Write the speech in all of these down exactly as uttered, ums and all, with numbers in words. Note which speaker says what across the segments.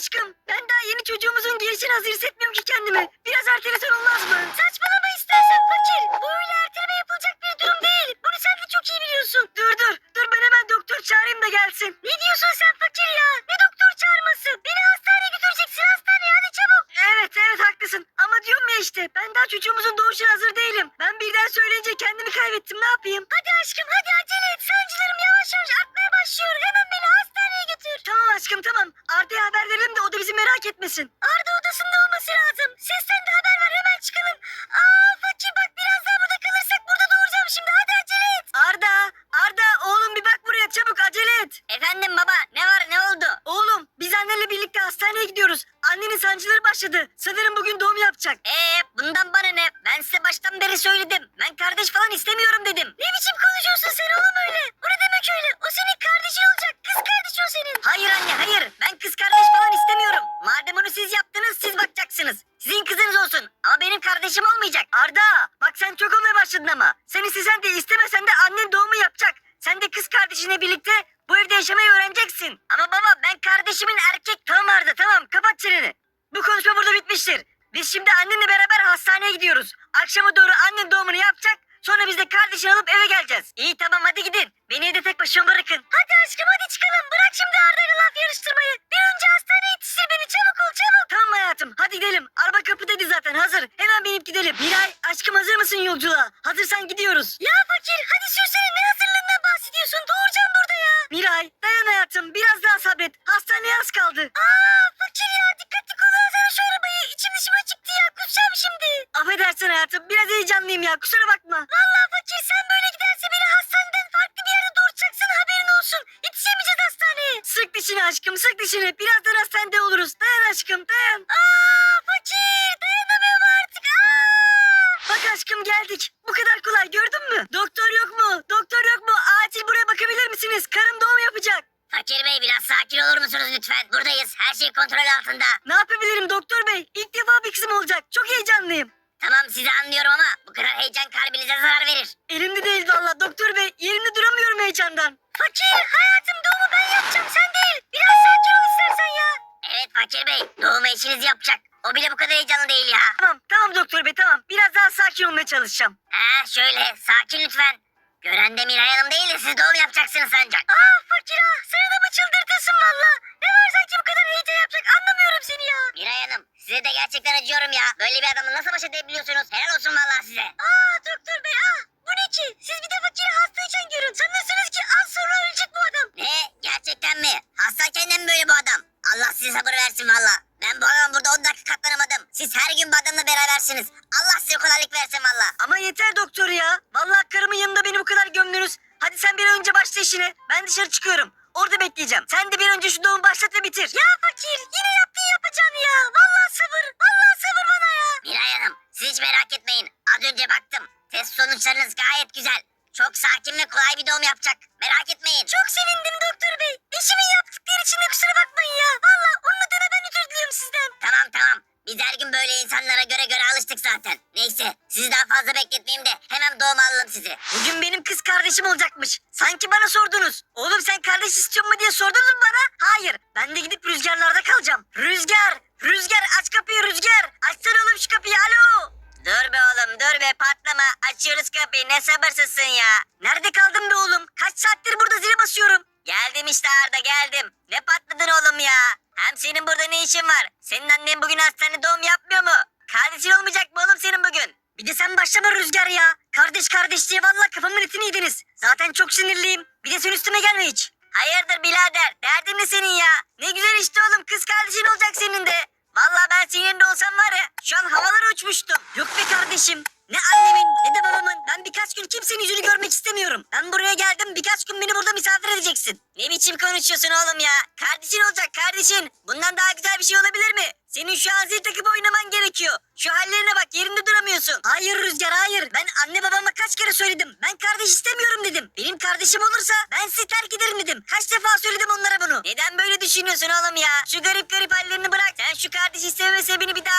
Speaker 1: aşkım. Ben daha yeni çocuğumuzun gelişine hazır hissetmiyorum ki kendimi. Biraz ertelesen olmaz mı? Saçmalama istersen fakir. Bu öyle erteleme yapılacak bir durum değil. Bunu sen de çok iyi biliyorsun. Dur dur. Dur ben hemen doktor çağırayım da gelsin. Ne diyorsun sen fakir ya? Ne doktor çağırması? Beni hastaneye götüreceksin, hastaneye hadi çabuk. Evet evet haklısın. Ama diyorum ya işte ben daha çocuğumuzun doğuşuna hazır değilim. Ben birden söyleyince kendimi kaybettim, ne yapayım? Hadi aşkım hadi acele et. Sancılarım yavaş yavaş artmaya başlıyor. Hemen beni hastaneye götür. Tamam aşkım tamam. Arda'ya haber verelim de o da bizi merak etmesin. Arda odasında olması lazım. Sesten de haber ver, hemen çıkalım. Aa fakir bak, biraz daha burada kalırsak burada doğuracağım şimdi. Hadi acele et. Arda Arda oğlum bir bak buraya, çabuk acele et. Efendim baba, ne var, ne oldu? Oğlum biz annenle birlikte hastaneye gidiyoruz. Annenin sancıları başladı. Sanırım bugün doğum yapacak. Eee bundan bana ne? Ben size baştan beri söyledim. Ben kardeş falan istemiyorum dedim. Ne biçim konuşuyorsun sen oğlum öyle? O ne demek öyle? O senin kardeşin olacak. Kız kardeş o senin. Hayır anne hayır. Ben kız kardeş falan istemiyorum. Madem onu siz yaptınız siz bakacaksınız. Sizin kızınız olsun. Ama benim kardeşim olmayacak. Arda bak sen çok olmaya başladın ama. Sen istesen de istemesen de annen doğumu yapacak. Sen de kız kardeşinle birlikte bu evde yaşamayı öğreneceksin. Ama baba ben kardeşimin erkek... Tamam Arda tamam, kapat çeneni. Bu konuşma burada bitmiştir. Biz şimdi annenle beraber hastaneye gidiyoruz. Akşama doğru annen doğumunu yapacak. Sonra biz de kardeşini alıp eve geleceğiz. İyi tamam hadi gidin. Beni evde tek başıma bırakın. Hadi aşkım hadi çıkalım. Bırak şimdi Arda'yla laf yarıştırmayı. Bir önce hastaneye yetiştir beni, çabuk ol çabuk. Tamam hayatım hadi gidelim. Araba kapıdaydı zaten, hazır. Hemen binip gidelim. Miray aşkım hazır mısın yolculuğa? Hazırsan gidiyoruz. Ya fakir hadi sürsene, ne hazırlığından bahsediyorsun? Doğuracağım burada ya. Miray dayan hayatım, biraz daha sabret. Hastaneye az kaldı. Aa fakir ya, dikkatli kullansana şu arabayı. İçim dışıma çıktı ya, kusacağım şimdi. Affedersin hayatım, biraz heyecanlıyım ya, kusura bakma. Vallahi fakir sen böyle giderse beni hastaneden farklı bir yerde doğuracaksın, haberin olsun. Yetişemeyeceğiz hastaneye. Sık dişini aşkım sık dişini. Birazdan hastanede oluruz. Dayan aşkım dayan. Aa fakir dayanamıyorum artık. Aa. Bak aşkım geldik. Bu kadar kolay, gördün mü? Doktor yok mu? Doktor yok mu? Acil buraya bakabilir misiniz? Karım doğum yapacak.
Speaker 2: Fakir Bey biraz sakin olur musunuz lütfen? Buradayız. Her şey kontrol altında.
Speaker 1: Ne yapabilirim doktor bey? İlk defa bir kızım olacak. Çok heyecanlıyım.
Speaker 2: Tamam sizi anlıyorum ama bu kadar heyecan kalbinize zarar verir.
Speaker 1: Elimde değil valla doktor bey. Yerimde duramıyorum heyecandan. Fakir hayatım doğumu ben yapacağım, sen değil. Biraz sakin ol istersen ya.
Speaker 2: Evet Fakir Bey doğum eşiniz yapacak. O bile bu kadar heyecanlı değil ya.
Speaker 1: Tamam tamam doktor bey tamam. Biraz daha sakin olmaya çalışacağım.
Speaker 2: Ha şöyle sakin lütfen. Gören de Miray Hanım değil de siz doğum yapacaksınız ancak.
Speaker 1: Aa fakir ah, seni de mı çıldırtırsın valla? Ne var sanki bu kadar heyecan yapacak, anlamıyorum seni ya.
Speaker 2: Miray Hanım size de gerçekten acıyorum ya. Böyle bir adamla nasıl baş edebiliyorsunuz? Helal olsun vallahi size.
Speaker 1: Aa doktor bey ah, bu ne ki? Siz bir de fakiri hastayken görün. Sanırsınız ki az sonra ölecek bu adam.
Speaker 2: Ne? Gerçekten mi? Hastayken de mi böyle bu adam? Allah size sabır versin valla. Ben bu adama burada on dakika katlanamadım. Siz her gün bu adamla berabersiniz. Allah size kolaylık versin valla.
Speaker 1: Ama yeter doktor ya. Vallahi karımın yanında beni bu kadar gömdünüz. Hadi sen bir an önce başla işine. Ben dışarı çıkıyorum. Orada bekleyeceğim. Sen de bir önce şu doğumu başlat ve bitir. Ya fakir yine yaptın yapacağını ya. Vallahi sabır. Vallahi sabır bana ya.
Speaker 2: Miray Hanım siz hiç merak etmeyin. Az önce baktım. Test sonuçlarınız gayet güzel. Çok sakin ve kolay bir doğum yapacak. Merak etmeyin.
Speaker 1: Çok sevindim doktor bey. Eşimin yaptıkları için de kusura bakmayın ya. Vallahi onun adına ben özür diliyorum sizden.
Speaker 2: Tamam tamam. Biz her gün böyle insanlara göre göre alıştık zaten. Neyse sizi daha fazla bekletmeyeyim de hemen doğum alalım sizi.
Speaker 1: Bugün benim kız kardeşim olacakmış. Sanki bana sordunuz. Oğlum sen kardeş istiyor mu diye sordunuz mu bana? Hayır. Ben de gidip rüzgarlarda kalacağım. Rüzgar! Rüzgar aç kapıyı Rüzgar. Açsana oğlum şu kapıyı, alo.
Speaker 2: Dur be oğlum dur be patlama. Açıyoruz kapıyı ne sabırsızsın ya.
Speaker 1: Nerede kaldın be oğlum? Kaç saattir burada zile basıyorum.
Speaker 2: Geldim işte Arda geldim. Ne patladın oğlum ya? Hem senin burada ne işin var? Senin annen bugün hastanede doğum yapmıyor mu? Kardeşin olmayacak mı oğlum senin bugün?
Speaker 1: Bir de sen başlama Rüzgar ya. Kardeş kardeş diye valla kafamın etini yediniz. Zaten çok sinirliyim. Bir de sen üstüme gelme hiç.
Speaker 2: Hayırdır birader? Derdin ne senin ya?
Speaker 1: Ne güzel işte oğlum, kız kardeşin olacak senin de.
Speaker 2: Vallahi ben senin yerinde olsam var ya şu an havalara uçmuştum.
Speaker 1: Yok be kardeşim. Ne annemin ne de babamın. Ben birkaç gün kimsenin yüzünü görmek istemiyorum. Ben buraya geldim, birkaç gün beni burada misafir edeceksin.
Speaker 2: Ne biçim konuşuyorsun oğlum ya? Kardeşin olacak kardeşin. Bundan daha güzel bir şey olabilir mi?
Speaker 1: Senin şu an zil takıp oynaman gerekiyor. Şu hallerine bak, yerinde duramıyorsun. Hayır Rüzgar hayır. Ben anne babama kaç kere söyledim. Ben kardeş istemiyorum dedim. Benim kardeşim olursa ben sizi terk ederim dedim. Kaç defa söyledim onlara bunu.
Speaker 2: Neden böyle düşünüyorsun oğlum ya? Şu garip garip hallerini bırak. Sen şu kardeş isteme sebebini bir daha anlat bakayım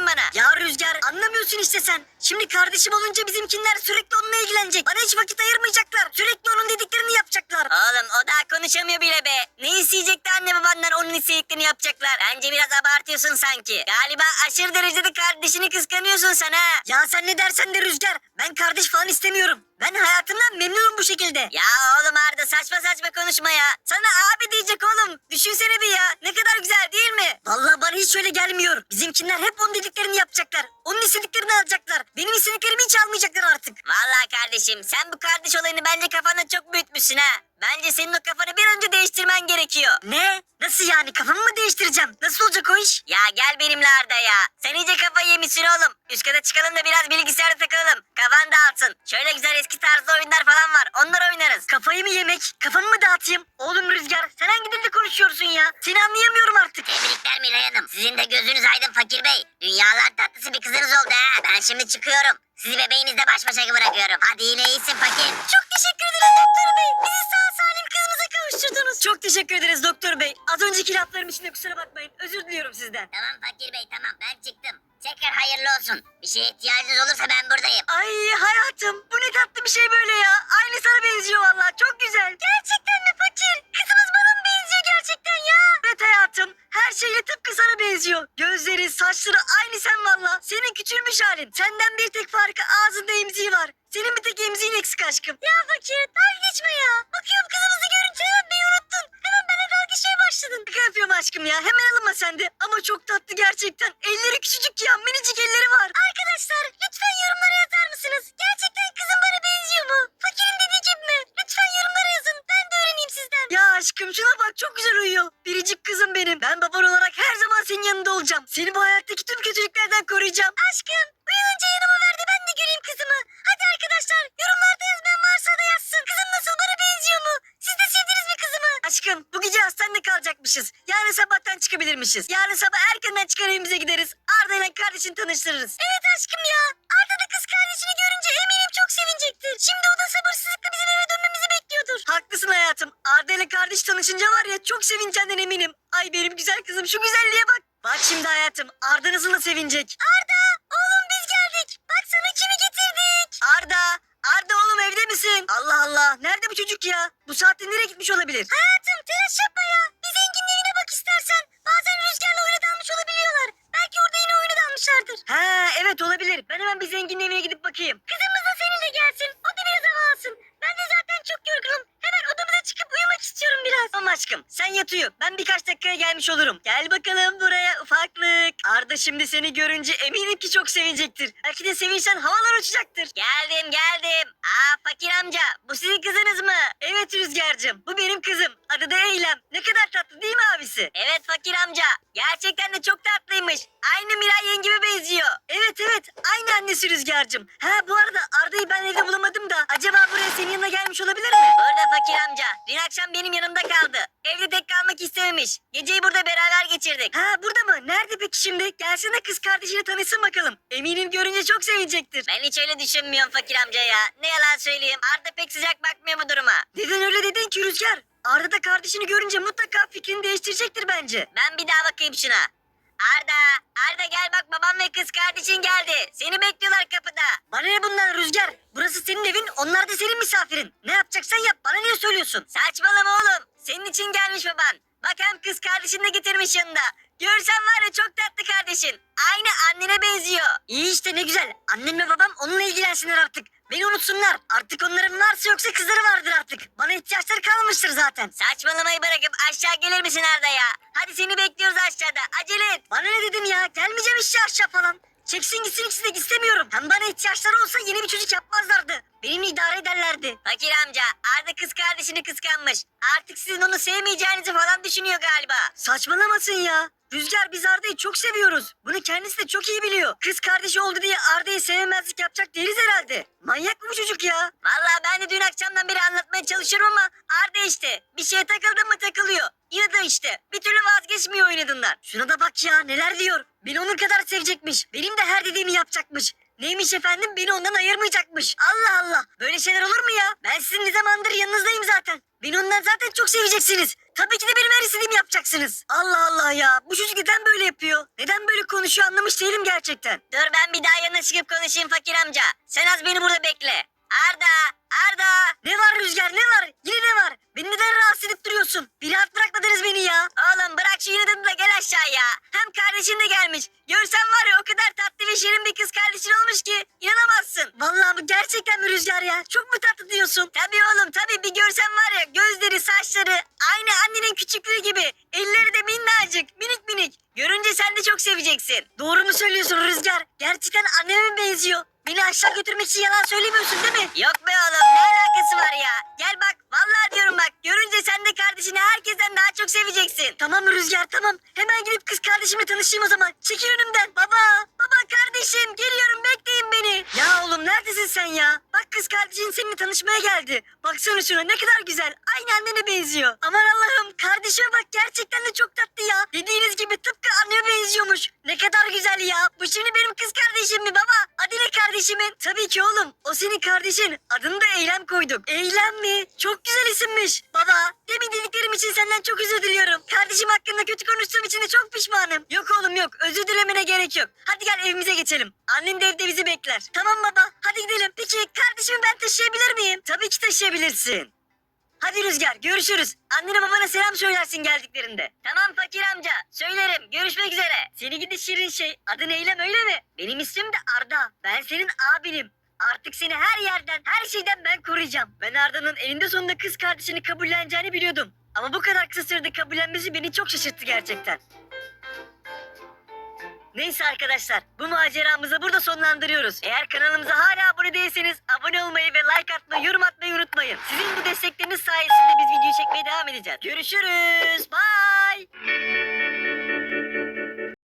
Speaker 2: bakayım bana.
Speaker 1: Ya Rüzgar anlamıyorsun işte sen. Şimdi kardeşim olunca bizimkinler sürekli onunla ilgilenecek. Bana hiç vakit ayırmayacaklar. Sürekli onun dediklerini yapacaklar.
Speaker 2: Oğlum o daha konuşamıyor bile be. Ne isteyecekti anne babandan onun istediklerini yapacaklar. Bence biraz abartıyorsun sanki. Galiba aşırı derecede kardeşini kıskanıyorsun sen ha.
Speaker 1: Ya sen ne dersen de Rüzgar. Ben kardeş falan istemiyorum. Ben hayatımdan memnunum bu şekilde.
Speaker 2: Ya oğlum Arda saçma saçma konuşma ya. Sana abi diyecek oğlum. Düşünsene bir ya. Ne kadar güzel değil mi?
Speaker 1: Vallahi bana hiç öyle gelmiyor. Bizimkinler hep onun dediklerini yapacaklar. Onun istediklerini alacaklar. Benim istediklerimi hiç almayacaklar artık.
Speaker 2: Vallahi kardeşim sen bu kardeş olayını bence kafanda çok büyütmüşsün ha. Bence senin o kafanı bir önce değiştirmen gerekiyor.
Speaker 1: Ne? Nasıl yani? Kafamı mı değiştireceğim? Nasıl olacak o iş?
Speaker 2: Ya gel benimle Arda ya. Sen iyice kafayı yemişsin oğlum. Üst kata çıkalım da biraz bilgisayarda takılalım. Kafan dağılsın. Şöyle güzel eski tarzda oyunlar falan var. Onlar oynarız.
Speaker 1: Kafayı mı yemek? Kafamı mı dağıtayım? Oğlum Rüzgar sen hangi dilde konuşuyorsun ya? Seni anlayamıyorum artık.
Speaker 2: Tebrikler Miray Hanım. Sizin de gözünüz aydın Fakir Bey. Dünyalar tatlısı bir kızınız oldu ha. Ben şimdi çıkıyorum. Sizi bebeğinizle baş başa bırakıyorum. Hadi yine iyisin Fakir.
Speaker 1: Çok teşekkür ederiz doktor bey. Bizi sağ salim kızımıza kavuşturdunuz. Çok teşekkür ederiz doktor bey. Az önceki laflarım için de kusura bakmayın. Özür diliyorum sizden.
Speaker 2: Tamam Fakir Bey tamam ben çıktım. Tekrar hayırlı olsun. Bir şeye ihtiyacınız olursa ben buradayım.
Speaker 1: Ay hayatım bu ne tatlı bir şey böyle ya. Aynı sana benziyor vallahi çok güzel. Gerçekten mi fakir? Kızımız bana mı benziyor gerçekten ya? Evet hayatım her şeyle tıpkı sana benziyor. Gözleri saçları aynı sen valla. Senin küçülmüş halin. Senden bir tek farkı ağzında emziği var. Senin bir tek emziğin eksik aşkım. Ya fakir dalga geçme ya. Bakıyorum kızımızı görünce hemen beni unuttun. Hemen bana dalga geçmeye başladın. Şaka yapıyorum aşkım ya. Hemen alınma sen de. Ama çok tatlı gerçekten. Elleri küçücük ya. Minicik elleri var. Arkadaşlar lütfen yorumlara yazar mısınız? Gerçekten kızım bana benziyor mu? Fakirin dediği gibi mi? Lütfen yorumlara yazın. Ben de öğreneyim sizden. Ya aşkım şuna bak çok güzel uyuyor. Biricik kızım benim. Ben baban olarak her zaman senin yanında olacağım. Seni bu hayattaki tüm kötülüklerden koruyacağım. Aşkım uyanınca yanıma ver de ben de göreyim kızımı. Hadi arkadaşlar yorumlarda yazmayan varsa da yazsın. Kızım nasıl bana benziyor mu? Siz de sevdiniz mi kızımı? Aşkım bu gece hastanede kalacakmışız. Yarın sabahtan çıkabilirmişiz. Yarın sabah erkenden çıkar evimize gideriz. Arda ile kardeşini tanıştırırız. Evet aşkım ya. Arda da kız kardeşini görünce eminim çok sevinecektir. Şimdi o da sabırsızlıkla bizim eve dönmemizi bekliyordur. Haklısın hayatım. Arda ile kardeş tanışınca var ya çok sevineceğinden eminim. Ay benim güzel kızım şu güzelliğe bak. Bak şimdi hayatım Arda nasıl da sevinecek. Arda oğlum biz geldik. Bak sana kimi getirdik. Arda. Arda oğlum evde misin? Allah Allah. Nerede bu çocuk ya? Bu saatte nereye gitmiş olabilir? Hayatım telaş yapma ya. Bir zenginin evine bak istersen. Bazen rüzgarla oyuna dalmış olabiliyorlar. Belki orada yine oyuna dalmışlardır. Ha evet olabilir. Ben hemen bir zenginin evine gidip bakayım. Kızımız da seninle gelsin. O da biraz hava alsın. Ben de zaten çok yorgunum. Hemen odamıza çıkıp uyumak istiyorum biraz. Tamam aşkım sen yat uyu. Ben birkaç dakikaya gelmiş olurum. Gel bakalım buraya ufaklık. Arda şimdi seni görünce eminim ki çok sevinecektir. Belki de sevinçten havalar uçacaktır.
Speaker 2: Geldim geldim. Aa Fakir amca bu sizin kızınız mı?
Speaker 1: Evet Rüzgar'cığım bu benim kızım. Adı da Eylem. Ne kadar tatlı değil mi abisi?
Speaker 2: Evet Fakir amca. Gerçekten de çok tatlıymış. Aynı Miray yengeme benziyor.
Speaker 1: Evet evet aynı annesi Rüzgar'cığım. Ha bu arada Arda'yı ben evde bulamadım da acaba buraya senin yanına gelmiş olabilir mi?
Speaker 2: Burada Fakir amca. Dün akşam benim yanımda kaldı. Evde tek kalmak istememiş. Geceyi burada beraber geçirdik.
Speaker 1: Ha burada mı? Nerede peki şimdi? Gelsene kız kardeşini tanışsın bakalım. Eminim görünce çok sevinecektir.
Speaker 2: Ben hiç öyle düşünmüyorum Fakir amca ya. Ne yalan söyleyeyim. Arda pek sıcak bakmıyor bu duruma.
Speaker 1: Neden öyle dedin ki Rüzgar? Arda da kardeşini görünce mutlaka fikrini değiştirecektir bence.
Speaker 2: Ben bir daha bakayım şuna. Arda, Arda gel bak babam ve kız kardeşin geldi. Seni bekliyorlar kapıda.
Speaker 1: Bana ne bundan Rüzgar? Burası senin evin, onlar da senin misafirin. Ne yapacaksan yap, bana niye söylüyorsun?
Speaker 2: Saçmalama oğlum. Senin için gelmiş baban. Bak hem kız kardeşini de getirmiş yanında. Görsen var ya çok tatlı kardeşin. Aynı annene benziyor.
Speaker 1: İyi işte ne güzel. Annem ve babam onunla ilgilensinler artık. Beni unutsunlar. Artık onların varsa yoksa kızları vardır artık. Bana ihtiyaçları kalmamıştır zaten.
Speaker 2: Saçmalamayı bırakıp aşağı gelir misin Arda ya? Hadi seni bekliyoruz aşağıda. Acele et.
Speaker 1: Bana ne dedim ya? Gelmeyeceğim işte aşağı falan. Çeksin gitsin ikisi de istemiyorum. Hem bana ihtiyaçları olsa yeni bir çocuk yapmazlardı. Benimle idare ederlerdi.
Speaker 2: Fakir amca Arda kız kardeşini kıskanmış. Artık sizin onu sevmeyeceğinizi falan düşünüyor galiba.
Speaker 1: Saçmalamasın ya. Rüzgar biz Arda'yı çok seviyoruz. Bunu kendisi de çok iyi biliyor. Kız kardeşi oldu diye Arda'yı sevmemezlik yapacak değiliz herhalde. Manyak mı bu çocuk ya?
Speaker 2: Vallahi ben de dün akşamdan beri anlatmaya çalışıyorum ama Arda işte. Bir şeye takıldı mı takılıyor. İnadı işte. Bir türlü vazgeçmiyor oynadığından.
Speaker 1: Şuna da bak ya neler diyor. Beni onun kadar sevecekmiş. Benim de her dediğimi yapacakmış. Neymiş efendim, beni ondan ayırmayacakmış. Allah Allah, böyle şeyler olur mu ya? Ben sizin ne zamandır yanınızdayım zaten. Beni ondan zaten çok seveceksiniz. Tabii ki de benim her istediğimi yapacaksınız. Allah Allah ya, bu çocuk neden böyle yapıyor? Neden böyle konuşuyor anlamış değilim gerçekten. Dur ben bir daha yanına çıkıp konuşayım fakir amca. Sen az beni burada bekle. Arda! Arda! Ne var Rüzgar, ne var? Yine ne var? Beni neden rahatsız edip duruyorsun? Bir rahat bırakmadınız beni ya. Oğlum bırak şu yine de gel aşağıya. Hem kardeşin de gelmiş. Görsen var ya, o kadar tatlı ve şirin bir kız kardeşin olmuş ki inanamazsın. Vallahi bu gerçekten mi Rüzgar ya? Çok mu tatlı diyorsun? Tabii oğlum tabii, bir görsen var ya, gözleri saçları aynı annenin küçüklüğü gibi. Elleri de minnacık minik minik. Görünce sen de çok seveceksin. Doğru mu söylüyorsun Rüzgar? Gerçekten anneme mi benziyor? Beni aşağı götürmek için yalan söylemiyorsun değil mi? Yok be oğlum, ne alakası var ya? Gel bak, vallahi diyorum bak, görünce sen de kardeşini herkesten daha çok seveceksin. Tamam Rüzgar tamam, hemen gidip kız kardeşimle tanışayım o zaman. Çekil önümden baba. Baba kardeşim geliyorum, bekleyin beni. Ya oğlum neredesin sen ya? Bak kız kardeşin seninle tanışmaya geldi. Baksana şuna, ne kadar güzel. Aynı annene benziyor. Aman Allah'ım, kardeşime bak, gerçekten de çok tatlı ya. Dediğiniz gibi tıpkı anneme benziyormuş. Ne kadar güzel ya. Bu şimdi benim kız kardeşim mi baba? Adı ne kardeşimin? Tabii ki oğlum. O senin kardeşin. Adını da Eylem koyduk. Eylem mi? Çok güzel isimmiş. Baba, demin dediklerim için senden çok özür diliyorum. Kardeşim hakkında kötü konuştuğum için de çok pişmanım. Yok oğlum yok. Özür dilemene gerek yok. Hadi gel evimize geçelim. Annen de evde bizi bekler. Tamam baba. Hadi gidelim. Peki kardeşimi ben taşıyabilir miyim? Tabii ki taşıyabilirsin. Hadi Rüzgar, görüşürüz. Annene babana selam söylersin geldiklerinde. Tamam fakir amca, söylerim. Görüşmek üzere. Seni gidi şirin şey. Adın Eylem öyle mi? Benim ismim de Arda. Ben senin abinim. Artık seni her yerden, her şeyden ben koruyacağım. Ben Arda'nın eninde sonunda kız kardeşini kabulleneceğini biliyordum. Ama bu kadar kısa sürede kabullenmesi beni çok şaşırttı gerçekten. Neyse arkadaşlar, bu maceramızı burada sonlandırıyoruz. Eğer kanalımıza hala abone değilseniz abone olmayı ve like atmayı, yorum atmayı unutmayın. Sizin bu destekleriniz sayesinde biz videoyu çekmeye devam edeceğiz. Görüşürüz. Bye.